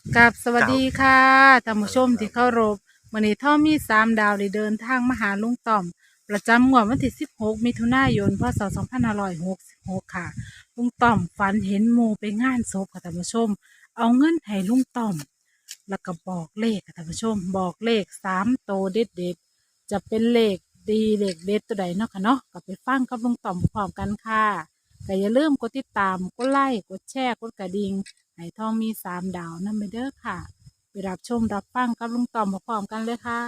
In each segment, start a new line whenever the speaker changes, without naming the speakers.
กับสวัส
ครับ
ดีค่ะท่านผู้ชมที่เคารพวันนี้ท่อมี3 ดาวได้เดินทางมาหาลุงต่อมประจำงวดวันที่16 มิถุนายนพศ2566ค่ะลุงต่อมฝันเห็นหมู่ไปงานศพค่ะท่านผู้ชมเอาเงินให้ลุงต่อมแล้วก็บอกเลขค่ะท่านผู้ชมบอกเลข3 โตวเด็ดๆจะเป็นเลขดีเลขเด็ดตัวใดเนาะค่ะเนาะก็ไปฟังกับลุงต่อมพร้อมกันค่ะก็อย่าลืมกดติดตามกดไลค์กดแชร์กดกระดิ่ง ไหทองมี3 ดาวนั่นไปเด้อค่ะไปรับชมรับฟังกับลุงต่อมพร้อมๆกันเลยค่ะ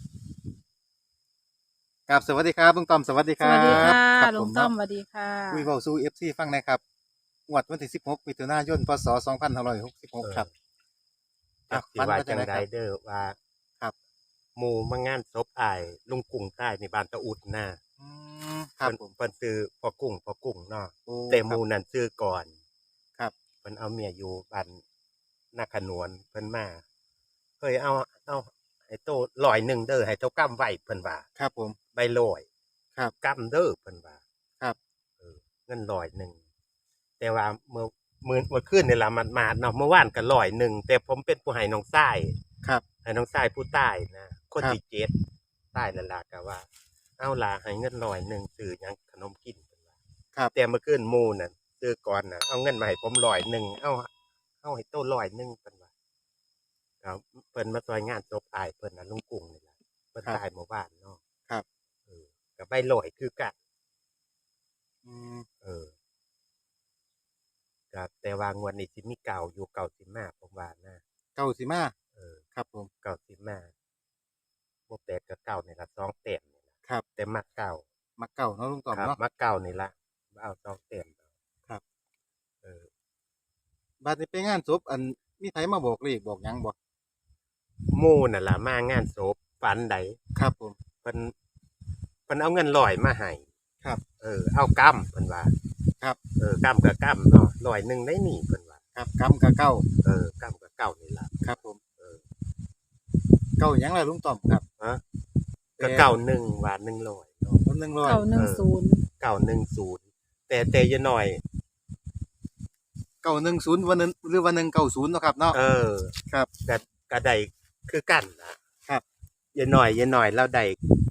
ครับสวัสดีครับลุงต้อมสวัสดีครั
สวัสดี
บ
ค่ะ
ครับ
ลุงต้อ
ผมเนาะ
มสวัสดีค่ะ
คุยเว้าสู่ FC ฟังหนะครับงวดวันที่16มิถุนายนพศ2566
เออ
ครับ
จักสิ
ฝัน
ว่าจัง
ว่าจังไดครับ
ใดเด้อว่า
ครับ
หมู่มางานศพอ้ายลุงกุ้งใต้ในบ้านตะอุดนะ
อืครับผม
เพิ่นซื้อพ่อกุ้งเนาะ
โอ้
แต่ห
ครับ
มู่นั้นซื้อก่อน
ครับ
เพิ่นเอาเมียอยู่บ้านนาขนวนเพิ่นมาเฮ้ยเอาให้โต100เด้อให้เจ้ากำไว้เพิ่นว่า
ครับผม
ใบร้อย
ครับ
กำเด้อเพิ่นว่า
ครับ
เออเงิน100แต่ว่าเมื่อคืนนี่ล่ะหมาดๆเนาะเมื่อวานก็100แต่ผมเป็นผู้ให้น้องชาย
ครับ
ให้น้องชายผู้ตายนะคน
ครับ
ที่7ตายแล้วล่ะก็ว่า เอาล่ะให้เงิน100ซื้อหยังขนมกินเพิ่นว่า
ครับ
แต่เมื่อคืนหมู่น่ะซื้อก่อนน่ะเอาเงินมาให้ผม100เอาให้โต100เพิ่นว่าครับเพิ่นมาซอยงานศพอ้ายเพิ่นน่ะลุงกุ้งนี่ล่ะเพิ่น
ครับ
ตายเมื่อวานเนาะ
ครับ
เออก็ใบร้อยคือกัน
อืม
เออก็แต่ว่างวดนี้สิมีเก่าอยู่เก่าสิมาผมว่านะ
เก้าสิมา
เออ
ครับผม
เก่าสิมาบ่แปดก็เก้านี่ล่ะ2แต้มนี่ล่ะ
ครับ
แต่มักเก่า
มักเก้าเนาะลุงต้อ
ครับ
มเนาะ
มักเก่านี่ล่ะเอา2แต้ม
ครับ
เออ
บัดนี้ไปงานศพอันมีไผมาบอกเลขบอกหยังบ่
หมู่นั่นล่ะมางานศพฝันใด
ครับผม
เพิ่นเพิ่นเอาเงินร้อยมาให้
ครับ
เอากำเพิ่นว่า
ครับ
กำก็กำเนาะ100ได้นี่เพิ่นว่า
ครับกำกับเก้า
กำก็เก่านี่ล่ะ
ครับผม
เออ
เก้าหยังล่ะลุงต้อมครับ
ฮะก็เก่า1ว่า100เนาะ
คน100
910
แต่อย่าน้อย
910วันนึงหรือวัน190เนาะครับเนาะครับ
ก็ก็ได้คือกันนะครับอย่าน้อยเราได้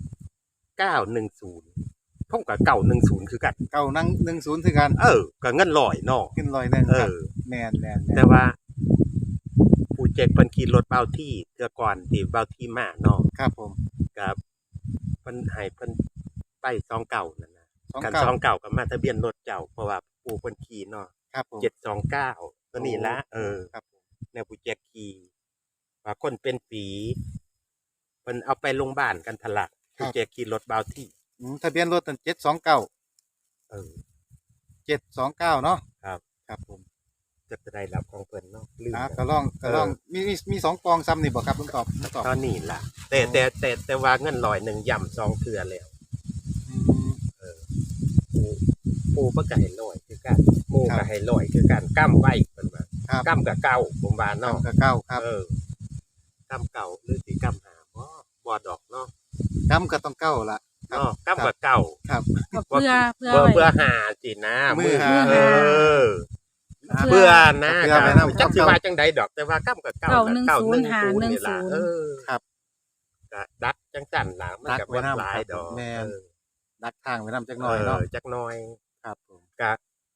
910ผมก็910คือกัน
เก้านั่ง10คือกัน
ก็เงินร้อยเนาะ
ขึ้นร้อยหนึ่งครับแม่น
แต่ว่าผู้เจ็กเพิ่นขี่รถเบาที่เทื่อก่อนที่เบาที่มาเนาะ
ครับผม
กับเพิ่นให้เพิ่นไป29นั่นน่ะกัน
29
29ก็มาทะเบียนรถเจ้าเพราะว่าปู่เพิ่นขี่เนาะ
ครับผม
729ตัวนี้ละ
ครับผม
แนวผู้เจ็กขี่ว่าคนเป็นฝีเพิ่นเอาไปโรงพยาบาลกันทะลักผู้เจ็กขี่รถเบาที่
ทะเบียนรถนั่น729
เออ
729เนาะ
ครับ
ครับผม
จะได้รับของเพิ่นเนาะลืม
ก็ลองมี2ปองซ้ำนี่บ่ครับลุงตอบ
ตอนนี้ล่ะแต่ว่าเงิน100ย่ำ2เทื่อแล้วเออปูเพิ่นก็ให้100คือกันหมู่ก็ให้100คือกันกำไว้เพิ่นว่ากำก็เก่าผมว่าเนาะ
ก็เก้าครับ
กำเก่าหรือสิกำหาบ่ดอกเนาะ
กำก็ต้องเก้าล่ะ
เนาะกำก็เก่า
ครับ
เพื่อ
เพื่อหาสินะ
มือหา
เพื่อนะจักสิว่าจังใดดอกแต่ว่ากำก็เก่า
910
นี่ล่ะ
ครับ
ก็ดักจังซั่นล่ะมันก็บ่หลายดอก
แม่นดักทางไว้นำจักหน่อยเนาะ
จักหน่อย
ครับผม
ก็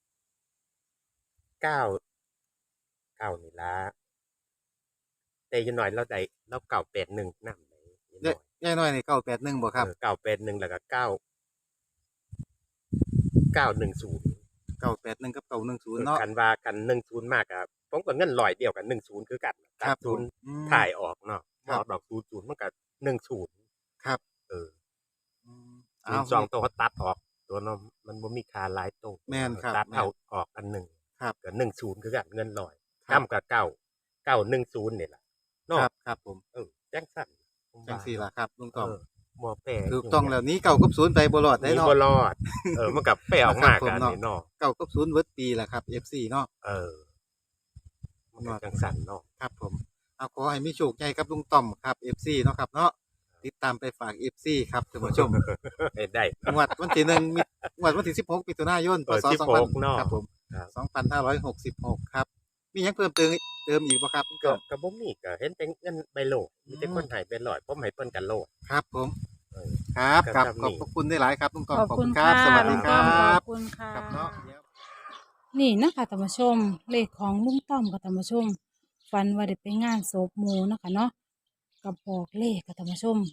9นี่ล่ะแต่อย่างน้อยเราได้เรา981นำ
ยายน้อยนี่981บ่ครับ
981แล้วก็910
981กับ910เนาะ
คันว่ากัน10มากครับผมก็เงิน100เดียวกัน10คือกันตัด0ถ่ายออกเนาะออกดอก00มันก็10
ครับ
02ตัวเขาตัดออกตัวเนาะมันบ่มีค่าหลายตัว
แม่นครับ
ตัดเอาออกอันนึง
ครับ
ก็10คือกันเงิน100กำก็910นี่ล่ะเนาะ
ครับผม
จังซั่น
จังซี่ล่ะครับลุงต้อม
บ่แปล
ถูกต้องแล้วนี้9กับ0ไปบ่รอดได้เนาะ
บ่รอดมันก็แปลออกมากันนี่เนาะ
9กับ0เบิดปีล่ะครับ FC เนาะ
มันจังซั่นเนาะ
ครับผมขอให้มีโชคใหญ่ครับลุงต้อมครับ FC เนาะครับเนาะติดตามไปฝาก FC ครับท่านผู้ชม
ได้
งวดวันที่1งวดวันที่16มิถุนายนพศ2000ครับผม2566ครับมีหยังเพิ่มเติมเติมอีกบ่ครับลุง
ก็
ต้อม
ก็บ่มีก็เห็นเป็นเงินใบโหลมีแต่คนให้เป็นร้อยผมให้เพิ่นกันโหล
ครับผม
เออ
ครับ
ก็
ครับ
ทำ
ขอบ
นี่
พระคุณได้หลายครับลุงต้อม
ขอบคุณ
ค
ค่ะ
รับสวัสดี
ลุง
ค
ต้อ
รั
มขอ
บบ
คุณค่ะ
ครับเนาะ
นี่นะคะท่านผู้ชมเลขของลุงต้อมกับท่านผู้ชมฝันว่าได้ไปงานศพหมู่เนาะคะเนาะกับบอกเลขกับท่านผู้ชม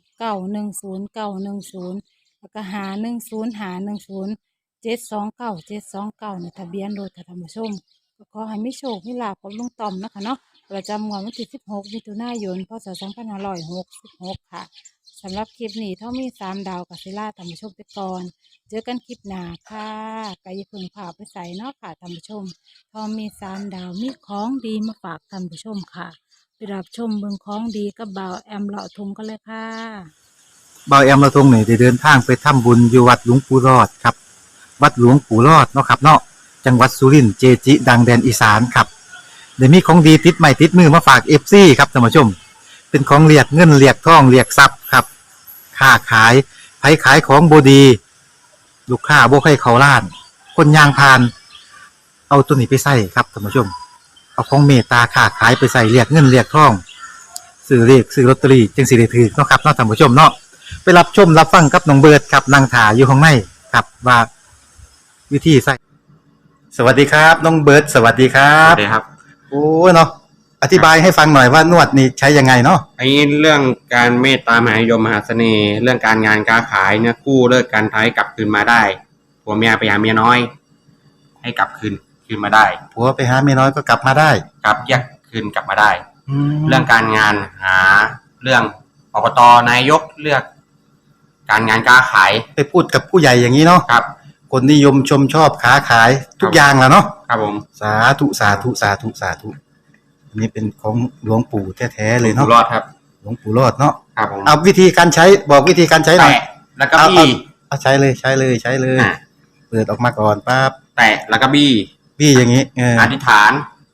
910 910แล้วก็510 510 729 729ในทะเบียนรถกับท่านผู้ชมก็ขอให้มีโชคมีลาภกับลุงต้อมนะคะเนาะประจำงวดวันที่16มิถุนายนพศ2566ค่ะสำหรับคลิปนี้เท่ามี3ดาวกับศิลาท่านผู้ชมไปก่อน เจอกันคลิปหน้าค่ะกายาเพึงผ่าไปใส่เนาะค่ะท่านผู้ชม พอมี3 ดาวมีของดีมาฝากท่านผู้ชมค่ะไปรับชมเบืองของดีกับบ่าวแอมเลาะทุงกันเลยค่ะ
เบาแอมเราตรงนี่ได้เดินทางไปทำบุญอยู่วัดหลวงปู่รอดครับ วัดหลวงปู่รอดเนาะครับเนาะจังหวัดสุรินทร์เจจิ ดังแดนอีสานครับเดี๋ยวมีของดีติดใหม่ติดมือมาฝากเอฟซีครับท่านผู้ชม เป็นของเรียกเงินเรียกทองเรียกทรัพย์ครับค้าขายไผขายของบดี ลูกค้าบ่ใครเขาล้าน คนยางพาน เอาตัวนี้ไปใส่ครับท่านผู้ชม เอาของเมตตาค้าขายไปใส่เรียกเงินเรียกทองซื้อเรียกซื้อลอตเตอรี่จึงสิได้ถือเนาะครับเนาะท่านผู้ชมเนาะไปรับชมรับฟังกับน้องเบิร์ดครับนางถาอยู่ข้างในครับว่าวิธีใส่สวัสดีครับน้องเบิร์ดสวัสดีครั
ครับ บสวัสดีครับ
โอ้เนาะอธิบายให้ฟังหน่อยว่านวดนี่ใช้ยังไงเนาะ
ไอ้เรื่องการเมตตามหานิยมมหาเสน่ห์ เรื่องการงานการขายเนี่ยกู้เลิกการท้ายกลับคืนมาได้ผัวเมียไปหาเมียน้อย ให้กลับคืนมาได้
ผัวไปหาเมียน้อยก็กลับมาได้
กลับแยกคืนกลับมาได้
แล้
เรื่
ว
องการงานหาเรื่องอบตนายกเลือก การงานการขาย
ไปพูดกับผู้ใหญ่อย่างนี้เนาะ
ครับ
คนนิยมชมชอบค้าขายทุกอย่างแหละเนาะ
ครับผม
สาธุสาธุสาธุสาธุอันนี้เป็นของหลวงปู่แท้ๆเลย
อยู่
เนาะ
รอดครับ
หลวงปู่รอดเนาะ
ครับผม
เอาวิธีการใช้บอกวิธีการใช้หน่อย
แตะแล้วก็บี้
เอาใช้เลยใช้เลยใช้เลย
อ่ะ
เปิดออกมาก่อนปั๊บ
แตะแล้วก็บี้
พี่อย่างนี้เออ
อธิษฐาน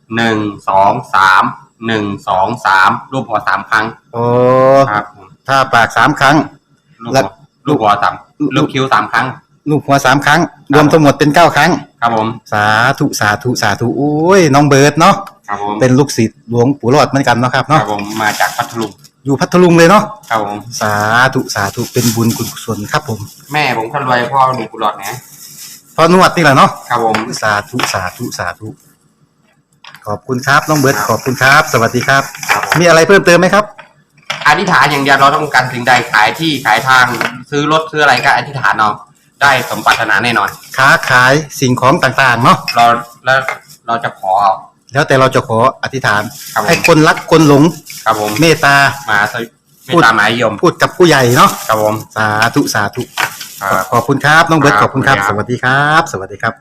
1 2 3 1 2 3รูปหัว3ครั้ง
โอ้
ครับผม
ถ้าปาก3 ครั้ง
ลูก
แล้
หั
ว
วลูกหัวสามลูกคิ้ว3 ครั้ง
ลูกหัว3 ครั้ง รวมทั้งหมดเป็น9 ครั้ง
ครับผม
สาธุสาธุสาธุโอ้ยน้องเบิร์ดเนาะ
ครับผม
เป็นลูกศิษย์หลวงปู่รอดเหมือนกันเนาะครับ
ครั
เนาะ
บผมมาจากพัทลุง
อยู่พัทลุงเลยเนาะ
ครับผม
สาธุสาธุเป็นบุญกุศลครับผม
แม่ผมคนรวยพ่อหนุ่มกุหลาบนะ
พอนวดนี่แหละเนาะ
ครับผม
สาธุสาธุสาธุขอบคุณครับน้องเบิร์ดขอบคุณครับ สวัสดีครับ
ครับผม
มีอะไรเพิ่มเติมไหมครับ
อธิษฐานอย่างเดียวเราต้องการสิ่งใดขายที่ขายทางซื้อรถซื้ออะไรก็อธิษฐานเอาได้สมปรารถนาแน่นอน
ค้าขายสิ่งของต่างๆเนาะ
เราแล้วเราจะขอเอา
แล้วแต่เราจะขออธิษฐาน
ครับผม
ให้คนรักคนหลง
ครับผม
เมตตา
มาสวิไม่ตามหมายยม
พูดกับผู้ใหญ่เนาะ
ครับผม
สาธุสาธุ
ครับ
ขอบคุณครับน้องเบิร์ต
ค
ข
รับ
อบคุณครับ
ขอบ
ส
คุณครับ
วัสดีครับ สวัสดีครับ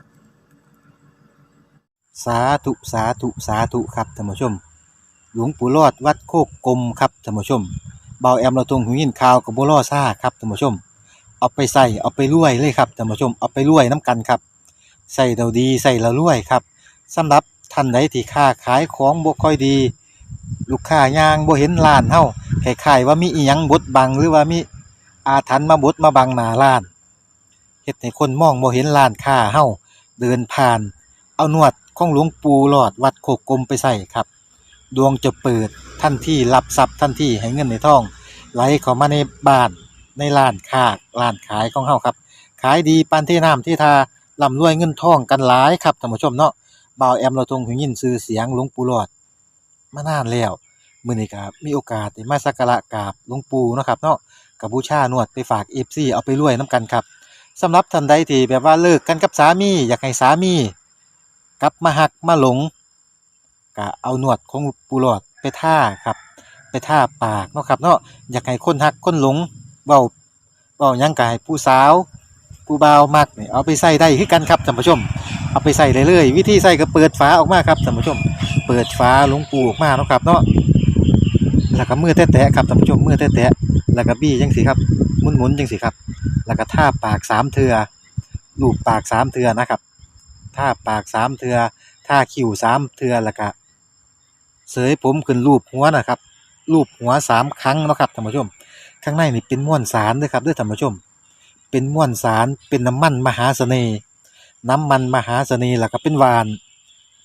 สาธุสาธุสาธุครับท่านผู้ชม หลวงปู่รอดวัดโคกกลมครับท่านผู้ชมเบาแอมเราตรงหูยินข่าวกับบัวล่อซ่าครับท่านผู้ชม เอาไปใส่เอาไปรวยเลยครับท่านผู้ชมเอาไปรวยน้ำกันครับใส่เราดีใส่เรารวยครับสำหรับท่านใดที่ค้าขายของบ่ค่อยดี ลูกค้ายางบ่เห็นร้านเฮาคล้ายๆว่ามีอีหยังบดบังหรือว่ามีอาถรรพ์มาบดมาบังหน้าร้านเฮ็ดให้คนมองบ่เห็นร้านค้าเฮาเดินผ่าน เอานวดของหลวงปู่หลอดวัดโคกกลมไปใส่ครับ ดวงจะเปิดทันทีรับทรัพย์ทันทีให้เงินในท้อง ไหลเข้ามาในบ้านในร้านค้าร้านขายของเฮาครับ ขายดีปานที่น้ำที่ทาร่ำรวยเงินทองกันหลายครับท่านผู้ชมเนาะบ่าวแอมเราทรงหูยินชื่อเสียงหลวงปู่หลอดมานานแล้วมื้อนี้ก็มีโอกาสได้มาสักการะกราบหลวงปู่เนาะครับเนาะก็บูชานวดไปฝาก FC เอาไปรวยนํกันครับสำหรับท่านใดที่แบบว่าเลิกกันกับสามีอยากให้สามีกลับมาหักมาหลงก็เอานวดของปู่หลอดไปท่าครับไปท่าปากเนาะครับเนาะอยากให้คนหักคนหลงเว้าหยังก็ให้ผู้สาวผู้บ่าวมักนี่เอาไปใส่ได้คือกันครับท่านผู้ชมเอาไปใส่ได้เลยวิธีใส่ก็เปิดฝาออกมาครับท่านผู้ชม เปิดฝาหลวงปู่ออกมาเนาะครับเนาะแล้วก็มือแตะๆครับท่านผู้ชมมือแตะๆแล้วก็บี้จังสิครับหมุนๆจังสิครับแล้วก็ท่าปาก3เทื่อลูบปาก3เทื่อนะครับท่าปาก3เทื่อท่าคิ้ว3เทื่อแล้วก็เสยผมขึ้นรูปหัวนะครับรูปหัว3ครั้งเนาะครับท่านผู้ชมข้างในนี่เป็นม้วนสารเด้อครับเด้อท่านผู้ชมเป็นม้วนสารเป็นน้ำมันมหาเสน่ห์แล้วก็เป็นหวาน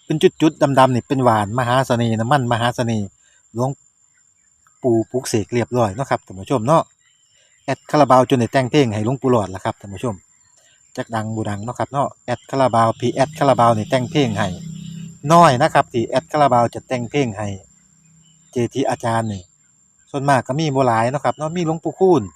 เป็นจุดๆดำๆนี่เป็นหวานมหาเสน่ห์น้ำมันมหาเสน่ห์หลวงปู่ปลุกเสกเรียบร้อยเนาะครับท่านผู้ชมเนาะแอดคาราบาวจนได้แต่งเพลงให้หลวงปู่หลอดล่ะครับท่านผู้ชมจักดังบ่ดังเนาะครับเนาะแอดคาราบาวพี่แอดคาราบาวนี่แต่งเพลงให้น้อยนะครับที่แอดคาราบาวจะแต่งเพลงให้เจจิอาจารย์นี่ส่วนมากก็มีบ่หลายเนาะครับเนาะมีหลวงปู่คูณ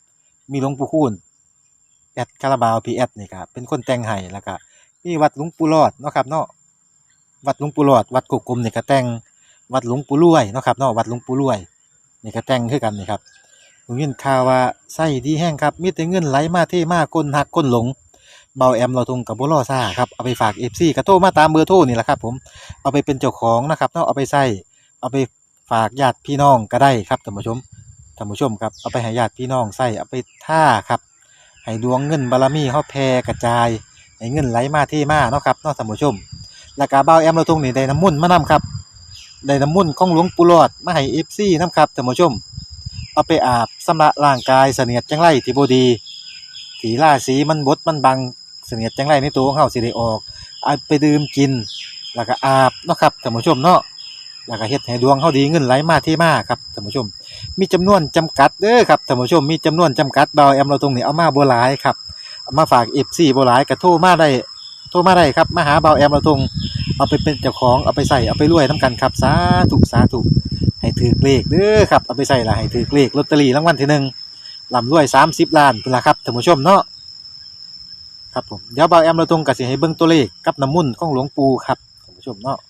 แอดคาราบาวพี่แอดนี่ก็เป็นคนแต่งให้แล้วก็มีวัดหลวงปู่หลอดเนาะครับเนาะ วัดหลวงปู่หลอดวัดโกกกลมนี่ก็แต่งวัดหลวงปู่รวยเนาะครับเนาะวัดหลวงปู่รวยนี่ก็แต่งคือกันนี่ครับผมยินข่าวว่าไส้ดีแห้งครับมีแต่เงินไหลมาเทมาคนหักคนหลงเบาแอมเราทงกับบ่รอซ่าครับเอาไปฝาก FC ก็โทรมาตามเบอร์โทรนี่แหละครับผมเอาไปเป็นเจ้าของนะครับเนาะเอาไปใส่เอาไปฝากญาติพี่น้องก็ได้ครับท่านผู้ชมครับเอาไปให้ญาติพี่น้องใส่เอาไปท่าครับให้ดวงเงินบารมีเฮาแผ่กระจายให้เงินไหลมาเทมาเนาะครับเนาะท่านผู้ชม แล้วก็บ่าวแอมเราตรงนี้ได้น้ำมุ่นต์มานํครับได้น้ำมุ่นต์ของหลวงปู่หลอดมาให้ FC นํครับท่านผู้ชมเอาไปอาบชำระร่างกายเสนียดจังไรที่บ่ดีที่ราศีมันบดมันบังเสนียดจังไรในตัวของเฮาสิได้ออกเอาไปดื่มกินแล้วก็อาบเนาะครับท่านผู้ชมเนาะแล้วก็เฮ็ดให้ดวงเฮาดีเงินไหลมาเทมาครับท่านผู้ชมมีจำนวนจำกัดเด้อครับท่านผู้ชมมีจำนวนจำกัดบ่าวแอมเราตรงนี้เอามาบ่หลายครับเอามาฝาก FC บ่หลายก็โทรมาได้ครับมาหาเบาแอมเราทงเอาไปเป็นเจ้าของเอาไปใส่เอาไปรวยน้ำกันครับสาธุให้ถือเลขเด้อครับเอาไปใส่ละให้ถือเลขลอตเตอรี่รางวัลที่หนึ่งลำรวย30 ล้านพุ่นละครับท่านผู้ชมเนาะครับผมเดี๋ยวเบาแอมเราทงก็สิให้เบิ่งตัวเลขกับน้ำมุ่นต์ของหลวงปู่ครับท่านผู้ชมเนาะ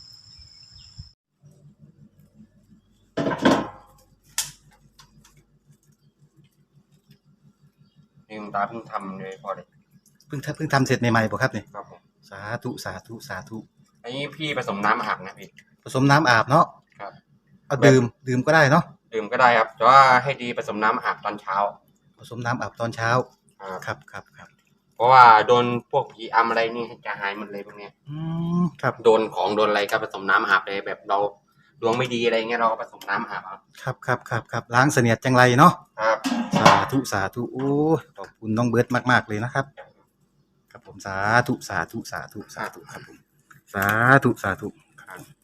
ลืมตาเพิ่งทำเลยพอเลย
เพิ่งทำเสร็จใหม่ๆบ่ครับนี่
ครับผม
สาธุ
อันนี้พี่ผสมน้ำอาบนะพี่
ผสมน้ำอาบเนาะ
ครับ
เอาดื่มก็ได้เนาะ
ดื่มก็ได้ครับแต่ว่าให้ดีผสมน้ำอาบตอนเช้า
ผสมน้ำอาบตอนเช้าครับ
เพราะว่าโดนพวกผีอำอะไรนี่จะหายหมดเลยพวกเนี้ย
ครับ
โดนของโดนอะไรก็ผสมน้ำอาบเลยแบบเราดวงไม่ดีอะไรเงี้ยเราก็ผสมน้ำอาบเอา
ครับล้างเสนียดจังไรเนาะ
ครับ
สาธุโอ้ขอบคุณน้องเบิร์ดมากๆเลยนะครับครับผมสาธุครับผมสาธุครับ